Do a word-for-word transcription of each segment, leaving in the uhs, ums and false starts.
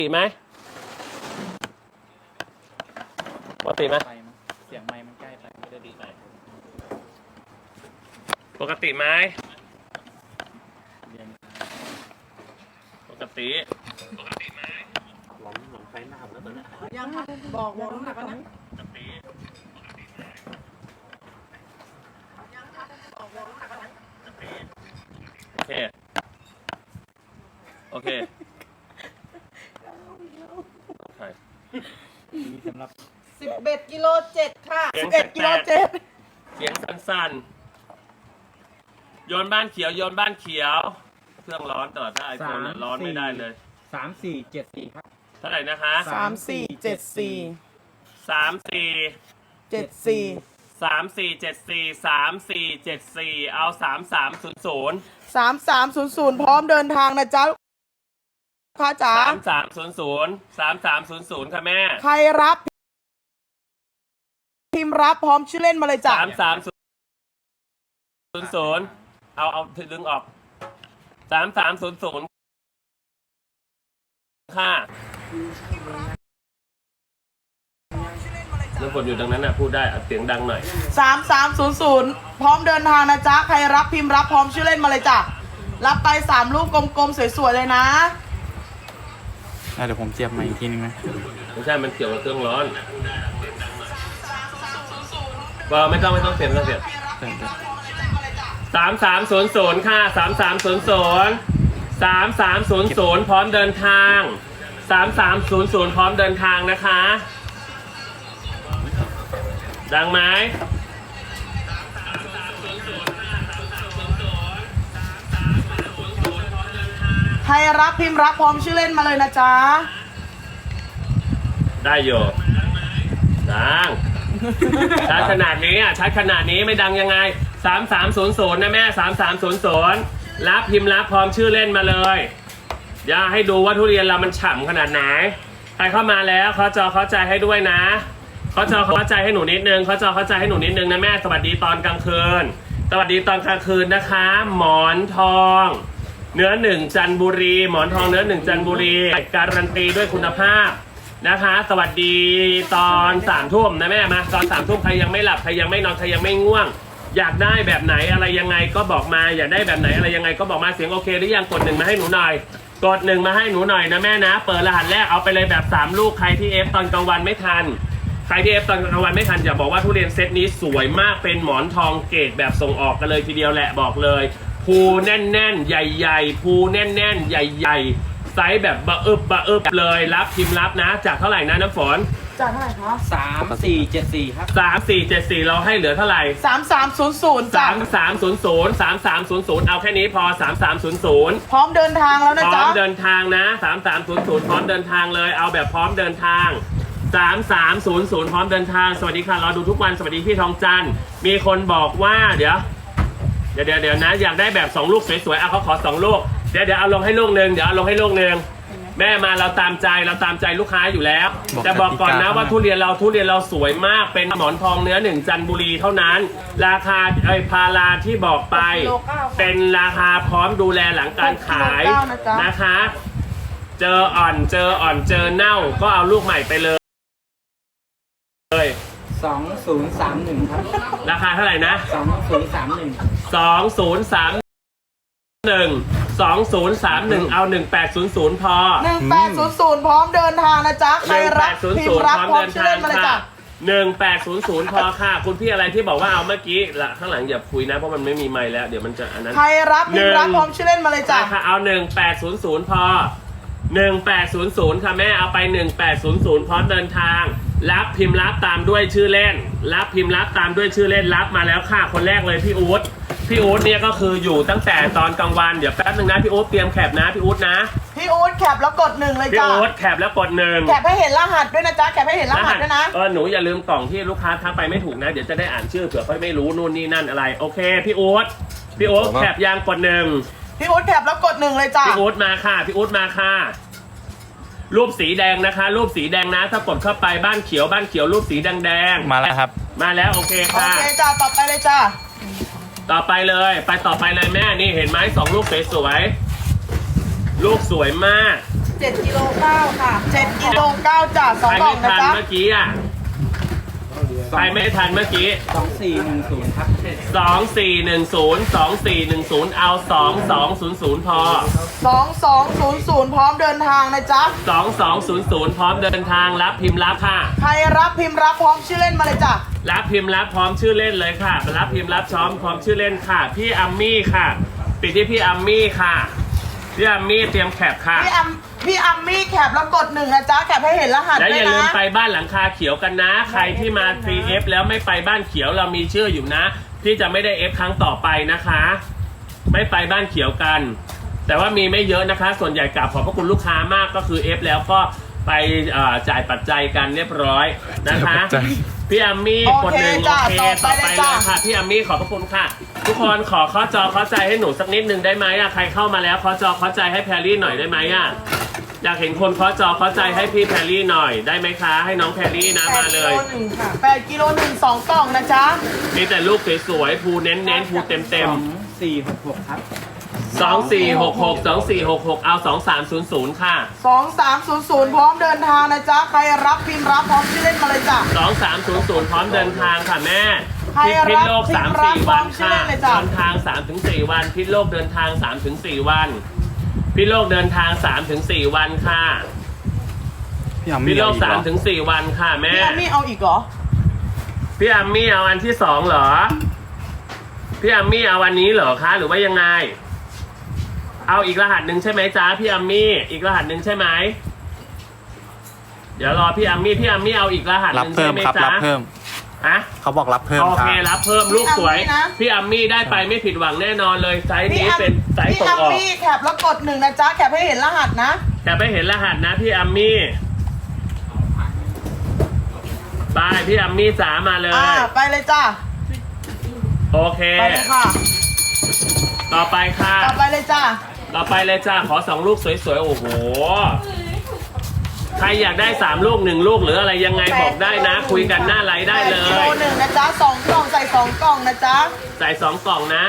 ติไหมปกติไหมเสียงไมค์มันใกล้ไปไม่ได้ดีไปปกติไหมปกติปกติไหมหลอมหลอมไฟหน้าแล้วตอนนี้ยังค่ะบอกบอกน้ำหนักกันนะปกติยังค่ะบอกบอกน้ำหนักกันนะโอเคโอเคใช่มีสำหรับสิบเอ็ดกิโลเจ็ดค่ะสิสิบบ เอ็เอ็ดดกิกิโลโลเจ็เจ็ดดเสียงสั้นๆโยนบ้านเขียวโยนบ้านเขียวเครื่องร้อนตลอดถ้าไอโฟนร้อนไม่ได้เลยสามสี่เจ็ดสี่ครับเท่าไหร่นะคะสามสี่เจ็ดสี่สามสี่เจ็ดสี่สามสี่เจ็ดสี่สามสี่เจ็ดสี่เอาสามสามศูนย์ศูนย์สามสามศูนย์ศูนย์พร้อมเดินทางนะจ๊ะค่ะจ๋าสามสามศูนย์ศูนย์สามสามศูนย์ศูนย์ค่ะแม่ใครรับพิมพ์รับพร้อมชื่อเล่นมาเลยจ้ะสามสามศูนย์ศูนย์เอาเอาดึงออกสามสามศูนย์ศูนย์ค่ะน้ำฝนอยู่ดังนั้นนะพูดได้เสียงดังหน่อยสามสามศูนย์ศูนย์พร้อมเดินทางนะจ๊ะใครรับพิมพ์รับพร้อมชื่อเล่นมาเลยจ้ะรับไปสามรูปกลมๆสวยๆเลยนะเดี๋ยวผมเจียบใหม่อีกทีนึงนะไม่ใช่มันเกี่ยวกับเครื่องร้อนว่าไม่ต้องไม่ต้องเปลี่ยนไม่ต้องเปลี่ยนสามสามศูนย์ศูนย์ค่ะสามสามศูนย์ศูนย์สามสามศูนย์ศูนย์พร้อมเดินทางสามสามศูนย์ศูนย์พร้อมเดินทางนะคะดังไหมใครรับพิมพ์รับพร้อมชื่อเล่นมาเลยนะจ๊ะได้อยู่ดังชัดขนาดนี้อ่ะชัดขนาดนี้ไม่ดังยังไงสามสามศูนย์ศูนย์นะแม่สามสามศูนย์ศูนย์รับพิมพ์รับพร้อมชื่อเล่นมาเลยอย่าให้ดูว่าทุเรียนเรามันฉ่ำขนาดไหนใครเข้ามาแล้วเขาจอเข้าใจให้ด้วยนะเขาจอเข้าใจให้หนูนิดนึงเขาจอเข้าใจให้หนูนิดนึงนะแม่สวัสดีตอนกลางคืนสวัสดีตอนกลางคืนนะคะหมอนทองเนื้อหนึ่งจันทบุรีหมอนทองเนื้อหนึ่งจันทบุรีการันตีด้วยคุณภาพนะคะสวัสดีตอนสามทุ่มนะแม่มาตอนสามทุ่มใครยังไม่หลับใครยังไม่นอนใครยังไม่ง่วงอยากได้แบบไหนอะไรยังไงก็บอกมาอยากได้แบบไหนอะไรยังไงก็บอกมาเสียงโอเคหรือยังกดหนึ่งมาให้หนูหน่อยกดหนึ่งมาให้หนูหน่อยนะแม่นะเปิดรหัสแรกเอาไปเลยแบบสามลูกใครที่เอฟตอนกลางวันไม่ทันใครที่เอฟตอนกลางวันไม่ทันอย่าบอกว่าทุเรียนเซตนี้สวยมากเป็นหมอนทองเกรดแบบส่งออกกันเลยทีเดียวแหละบอกเลยภูแน่นๆใหญ่ๆภูแน่นๆใหญ่ๆไซส์แบบบะอึบบะอึบเลยรับพิมพ์รับนะจากเท่าไหร่นะน้ำฝนจากเท่าไหร่คะสามสี่เจ็ดสี่ครับสามสี่เจ็ดสี่เราให้เหลือเท่าไหร่สามสามศูนย์ศูนย์สามสามศูนย์ศูนย์สามสามศูนย์ศูนย์เอาแค่นี้พอสามสามศูนย์ศูนย์พร้อมเดินทางแล้วนะจ๊ะพร้อมเดินทางนะสามสามศูนย์ศูนย์พร้อมเดินทางเลยเอาแบบพร้อมเดินทางสามสามศูนย์ศูนย์พร้อมเดินทางสวัสดีค่ะรอดูทุกวันสวัสดีพี่ทองจันทร์มีคนบอกว่าเดี๋ยวเดี๋ยวเดี๋ยวเดี๋ยวนะอยากได้แบบสองลูกสวยๆเอาเขาขอสองลูกเดี๋ยวเดี๋ยวเอาลงให้ลูกหนึ่งเดี๋ยวเอาลงให้ลูกหนึ่งแม่มาเราตามใจเราตามใจลูกค้าอยู่แล้วแต่บอกก่อนนะว่าทุเรียนเราทุเรียนเราสวยมากเป็นหมอนทองเนื้อหนึ่งจันทบุรีเท่านั้นราคาไอ้พาราที่บอกไปเป็นราคาพร้อมดูแลหลังการขายนะคะเจออ่อนเจออ่อนเจอเน่าก็เอาลูกใหม่ไปเลยสองศูนย์สามหนึ่งครับราคาเท่าไหร่นะสองศูนย์สามหนึ่งสองศูนย์สามหนึ่งสองศูนย์สามหนึ่งเอาหนึ่งแปดศูนย์ศูนย์พอหนึ่งแปดศูนย์ศูนย์พร้อมเดินทางนะจ๊ะใครรับพิมพ์รับพร้อมชื่อเล่นมาเลยจ้ะหนึ่งแปดศูนย์ศูนย์พอค่ะคุณพี่อะไรที่บอกว่าเอาเมื่อกี้ละข้างหลังอย่าคุยนะเพราะมันไม่มีไมค์แล้วเดี๋ยวมันจะอันนั้นใครรับพิมพ์รับพร้อมชื่อเล่นมาเลยจ้ะค่ะเอาหนึ่งแปดศูนย์ศูนย์พอหนึ่งแปดศูนย์ศูนย์ค่ะแม่เอาไปหนึ่งแปดศูนย์ศูนย์พร้อมเดินทางรับพิมพ์รับตามด้วยชื่อเล่นรับพิมพ์รับตามด้วยชื่อเล่นรับมาแล้วค่ะคนแรกเลยพี่อู๊ดพี่อู๊ดเนี่ยก็คืออยู่ตั้งแต่ตอนกลางวันเดี๋ยวแป๊บนึงนะพี่อู๊ดเตรียมแคปนะพี่อู๊ดนะพี่อู๊ดแคปแล้วกดหนึ่งเลยจ้ะพี่อู๊ดแคปแล้วกดหนึ่งแคปให้เห็นรหัสด้วยนะจ๊ะแคปให้เห็นรหัสด้วยนะเออหนูอย่าลืมกล่องที่ลูกค้าทักไปไม่ถูกนะเดี๋ยวจะได้อ่านชื่อเผื่อเขาไม่รู้นู่นนี่นั่นอะไรโอเคพี่อู๊ดพี่อู๊ดแคปยางกดหนึ่งพี่อู๊ดแคปแล้วกดหนึ่งเลยจ้ะพี่อู๊ดมาค่ะพี่อู๊ดมาค่ะรูปสีแดงนะคะรูปสีแดงนะถ้ากดเข้าไปบ้านเขียวบ้านเขียวรูปสีแดงแดงมาแล้วครับมาแล้วโอเคค่ะโอเคจ้าต่อไปเลยจ้าต่อไปเลยไปต่อไปเลยแม่นี่เห็นไหมสองลูกสวยๆลูกสวยมากเจ็ดกิโลเก้าค่ะเจ็ดกิโลเก้าจ้ะสใคองรกล่อไม่งนะทันจ๊ะเมื่อกี้อ่ะใครไม่ทันเมื่อกี้สองสี่หนึ่งศูนย์ครับสองสี่หนึ่งศูนย์สองสี่หนึ่งศูนย์เอาสองสองศูนย์ศูนย์พอสองสองศูนย์ศูนย์พร้อมเดินทางนะจ๊ะสองสองศูนย์ศูนย์พร้อมเดินทางรับพิมพ์รับค่ะใครรับพิมพ์รับพร้อมชื่อเล่นมาเลยจ้ะรับพิมพ์รับพร้อมชื่อเล่นเลยค่ะรับพิมพ์รับช้อมพร้อมชื่อเล่นค่ะ พี่อัมมี่ค่ะ ปิดที่พี่อัมมี่ค่ะพี่อัมมี่เตรียมแคปค่ะพี่อัมพี่อัมมี่แคปแล้วกดหนึ่งนะจ๊ะแคปให้เห็นรหัสและด้อวยย่าลืมนะไปบ้านหลังคาเขียวกันนะ ใครที่มา ที เอฟ แล้วไม่ไปบ้านเขียวเรามีชื่ออยู่นะที่จะไม่ได้ F ครั้งต่อไปนะคะ ไม่ไปบ้านเขียวกัน แต่ว่ามีไม่เยอะนะคะ ส่วนใหญ่กลับขอบพระคุณลูกค้ามากก็คือ F แล้วก็ไปเอ่อจ่ายปัจจัยกันเรียบร้อยนะคะจ่ายปัจจัยพี่อัมมี่โอกดเคหนึ่งโอจ้ะเคต่ต่ออไปไปเลยเลจ้ะยค่ะพี่อัมมี่ขอบพระคุณค่ะ ทุกคนขอข้อจอข้อใจให้หนูสักนิดหนึ่งได้ไหมอะใครเข้ามาแล้วข้อจอข้อใจให้แพรรี่หน่อยได้ไหมอะอยากเห็นคนข้อจอข้อใจให้พี่แพรรี่หน่อยได้ไหมคะ ให้น้องแพรรี่นะมาเลยแปดกิโลหนึ่งค่ะแปดกิโลหนึ่งสองกล่องนะจ๊ะมีแต่ลูกสวยๆภูเน้นๆภูเต็มสองสี่หกหกครับๆสองสี่หกหก สองสี่หกหกเอาสองสามศูนย์ศูนย์ค่ะสองสามศูนย์ศูนย์พร้อมเดินทางนะจ๊ะใครรับพิมพ์รับพร้อมชื่อเล่นมาเลยจ้ะสองสามศูนย์ศูนย์พร้อมเดินทางค่ะแม่ใครพิรัษบโลกพิสามมพ์รับสี่พร้วัอน มชื่อค่ะเล่นเลยจ้ะเดินทางสามถึงสี่วันพิษโลกเดินทางสามถึงสี่วันพิษโลกเดินทางสามถึงสี่วันค่ะพี่อัมพิมี่ษโลเอากอีกสามเหรอถึงสี่วันค่ะแม่พี่อัมมี่เอาอีกเหรอพี่อัมมี่เอาอันที่สองเหรอพี่อัมมี่เอาวันนี้เหรอคะหรือว่ายังไง เอาอีกรหัสหนึ่งใช่ไหมจ๊ะพี่อัมมี่อีกรหัสหนึ่งใช่ไหมเดี๋ยวรอพี่อัมมี่พี่อัมมี่เอาอีกรหัสหรับนึ่งเพิ่ใช่มไหมครับจ๊ะรับเพิ่มฮะเขาบอกรับเพิ่มโอคเครับ รับเพิ่มลูกสวยพี่อัมมี่นะพี่อัมมี่ได้ไปไม่ผิดหวังแน่นอนเลยไซส์พี่นี้อัมเป็นไซส์พี่ส่งอัมออกมี่แคปแล้วกดหนึ่งนะจ๊ะแคปให้เห็นรหัสนะแต่ไม่เห็นรหัสนะพี่อัมมี่ไปพี่อัมมี่จ๋ามาเลยอ่าไปเลยจ้ะโอเคไปเลยค่ะต่อไปค่ะต่อไปเลยจ้ะต่อไปเลยจ้าขอสองลูกสวยๆ โอ้โห ใครอยากได้สามลูกหนึ่งลูกหรืออะไรยังไงบอกได้นะ คุยกันหน้าไลฟ์ได้เลแปกิโลยหนึ่งนะจ๊ะสองกล่องใส่สองกล่องนะจ๊ะใส่สองกล่องนะ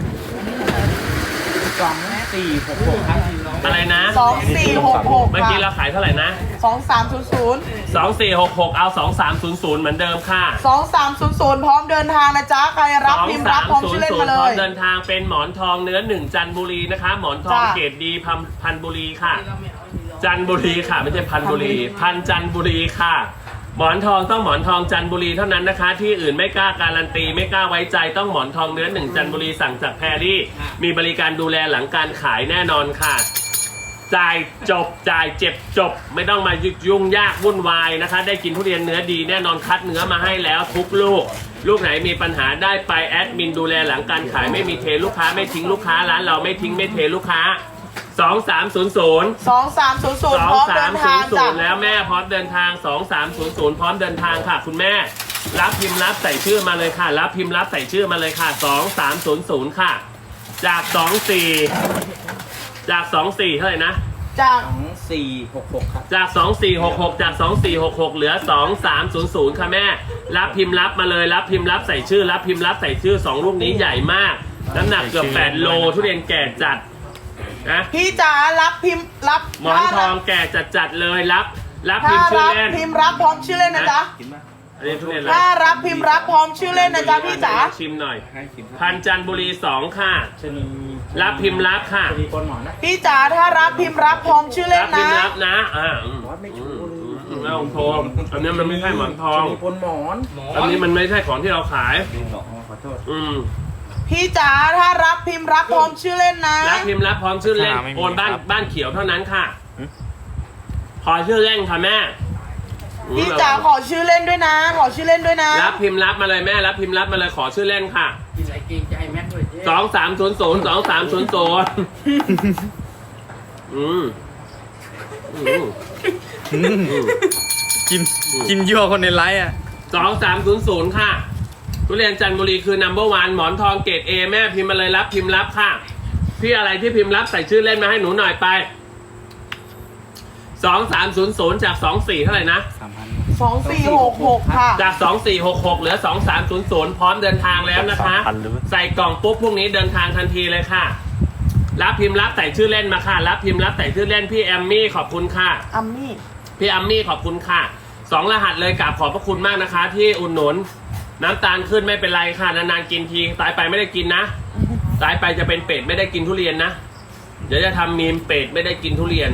สองสี่หกหกครับอะไรนะสองสี่หกหกเมื่อกี้เราค่ะขายเท่าไหร่นะสองสามศูนย์ศูนย์สองสี่หกหกเอาสองสามศูนย์ศูนย์เหมือนเดิมค่ะสองสามศูนย์ศูนย์พร้อมเดินทางนะจ๊ะใครรับสองพิมพ์สารับมพร้อมศูชื่นอย์เล่นศูนมาย์เลพร้อมยเดินทางเป็นหมอนทองเนื้อหนึ่งจันทบุรีนะคะ หมอนทองจ้ะเกรดดีพันพันบุรีค่ะ จันทบุรีค่ะไม่ใช่พันบุรี พันจันทบุรีค่ะ หมอนทองต้องหมอนทองจันทบุรีเท่านั้นนะคะ ที่อื่นไม่กล้าการันตีไม่กล้าไว้ใจต้องหมอนทองเนื้อหนึ่งจันทบุรีสั่งจากแพรรี่ มีบริการดูแลหลังการขายแน่นอนค่ะ จ่ายจบจ่ายเจ็บจบ ไม่ต้องมายุ่งยากวุ่นวายนะคะ ได้กินทุเรียนเนื้อดีแน่นอนคัดเนื้อมาให้แล้วทุกลูก ลูกไหนมีปัญหาได้ไปแอดมินดูแลหลังการขายไม่มีเทลูกค้าไม่ทิ้งลูกค้าร้านเราไม่ทิ้งไม่เทลูกค้าสองสามศูนย์ศูนย์สองสามศูนย์ศูนสย์องพร้อมสาเดิมนศูทาน งย์ศูจ้ะนย์แล้วแม่พร้อมเดินทางสองสามศูนย์ศูนย์พร้อมเดินทางค่ะ คุณแม่ รับพิมพ์รับใส่ชื่อมาเลยค่ะ รับพิมพ์รับใส่ชื่อมาเลยค่ะสองสามศูนย์ศูนย์ค่ะ จากสองสี่จากสองสี่เท่าไหร่นะจากสองสี่หกหกครับจากสองสี่หกหกจากสองสี่หกหกเหลือสองสามศูนย์ศูนย์ค่ะแม่ รับพิมพ์รับมาเลย รับพิมพ์รับใส่ชื่อ รับพิมพ์รับใส่ชื่อสองลูกนี้ใหญ่มาก น้ำหนักเกือบแปดโลทุเรียนแก่จัดนะพี่จ๋ารับพิมพ์รับหมอนทองแก่จัดจัดๆเลยรับ รับพิถ้ามพ์ชื่อรับเล่นพิมพ์รับพร้อมชื่อเล่นนะจ๊ะอันนี้ทุเรียนอะไรถ้ารับพิมพ์รับพร้อมชื่อเล่นนะจ๊ะพี่จ๋าชิมหน่อยให้สิบพันจันทบุรีสองค่ะชนีรับพิมพ์รับค่ะชนีคนหมอนนะพี่จ๋าถ้ารับพิมพ์รับพร้อมชื่อเล่รันบพิมนะพ์รับนะอ่าอืมอืมอืมไม่ต้องโทรอันนี้มันไม่ใช่หมอนทองชนีคนหมอนอันนี้มันไม่ใช่ของที่เราขายอ๋อขอโทษอืมพี่จ๋าถ้ารับพิมพ์รับพร้อมชื่อเล่นนะรับพิมพ์รับพร้อมชื่อเล่นไม่มีโอนบ้านครับบ้านเขียวเท่านั้นค่ะหืมขอชื่อเล่นค่ะแม่อืมพี่จ๋าขอชื่อเล่นด้วยนะ ขอชื่อเล่นด้วยนะรับพิมพ์รับมาเลยแม่ รับพิมพ์รับมาเลยขอชื่อเล่นค่ะกินอะไรเกรงใจแม็กด้วยเจ๊สองสามศูนย์ศูนย์สองสามศูนย์ศูนย์อืมอืมอืมกินกินยั่วคนในไลฟ์อ่ะสองสามศูนย์ศูนย์ค่ะ ทุเรียนจันทบุรีคือ number one หมอนทองเกรดเอแม่พิมพ์มาเลยรับพิมพ์รับค่ะ พี่อะไรที่พิมพ์รับใส่ชื่อเล่นมาให้หนูหน่อยไปสองสามศูนย์ศูนย์จากสองสี่เท่าไหร่นะสามพันสองสี่หกหกค่ะจากสองสี่หกหกเหลือสองสามศูนย์ศูนย์พร้อมเดินทางแล้วนะคะสามพันหรือใส่กล่องปุ๊บพรุ่งนี้เดินทางทันทีเลยค่ะรับพิมพ์รับใส่ชื่อเล่นมาค่ะรับพิมพ์รับใส่ชื่อเล่นพี่แอมมี่ขอบคุณค่ะอัมมี่พี่แอมมี่ขอบคุณค่ะสองรหัสเลยกราบขอบพระคุณมากนะคะ ที่อุดหนุนน้ำตาลขึ้นไม่เป็นไรค่ะนานๆกินทีตายไปไม่ได้กินนะตายไปจะเป็นเป็ดไม่ได้กินทุเรียนนะเดี๋ยวจะทำมีมเป็ดไม่ได้กินทุเรียน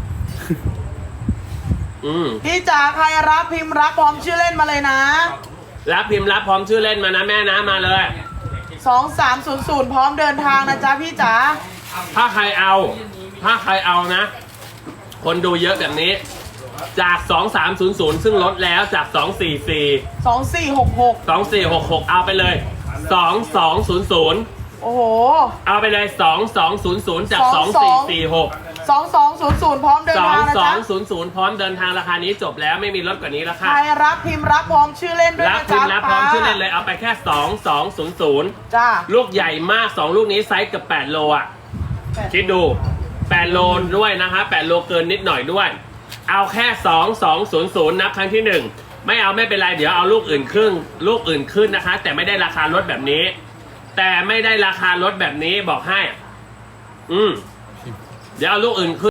อืมพี่จ๋าใครรับพิมพ์รับพร้อมชื่อเล่นมาเลยนะรับพิมพ์รับพร้อมชื่อเล่นมานะแม่นะมาเลยสองสามศูนย์ศูนย์พร้อมเดินทางนะจ๊ะพี่จ๋าถ้าใครเอา ถ้าใครเอานะ คนดูเยอะแบบนี้ จากสองสามศูนย์ศูนย์ซึ่งลดแล้วจากสองสี่สี่สองสี่หกหกสองสี่หกหกเอาไปเลยสองสองศูนย์ศูนย์โอ้โหเอาไปเลยสองสองศูนย์ศูนย์จากสองสี่สี่หกสองสองศูนย์ศูนย์พร้อมเดินสองทางนะสอจ๊ะงศูนย์ศูนย์พร้อมเดินทางราคานี้จบแล้วไม่มีลดกว่านี้แล้วใคค่ะรรับพิมพ์รับพร้อมชื่อเล่นด้วยรับนะพิจ๊ะมพ์รับพร้อมชื่อเล่นเลยเอาไปแค่สองสองศูนย์ศูนย์จ้าลูกใหญ่มากสองลูกนี้ไซส์เกับแปดโลอ่ะ คิดดูแปดโลด้วยนะคะแปดโลเกินนิดหน่อยด้วย เอาแค่สองสองศูนย์ศูนย์นับครั้งที่หนึ่งไม่เอาไม่เป็นไรเดี๋ยวเอาลูกอื่นครึ่งลูกอื่นขึ้นนะคะ แต่ไม่ได้ราคาลดแบบนี้ แต่ไม่ได้ราคาลดแบบนี้บอกให้ อืมเดี๋ยวเอาลูกอื่นขึ้น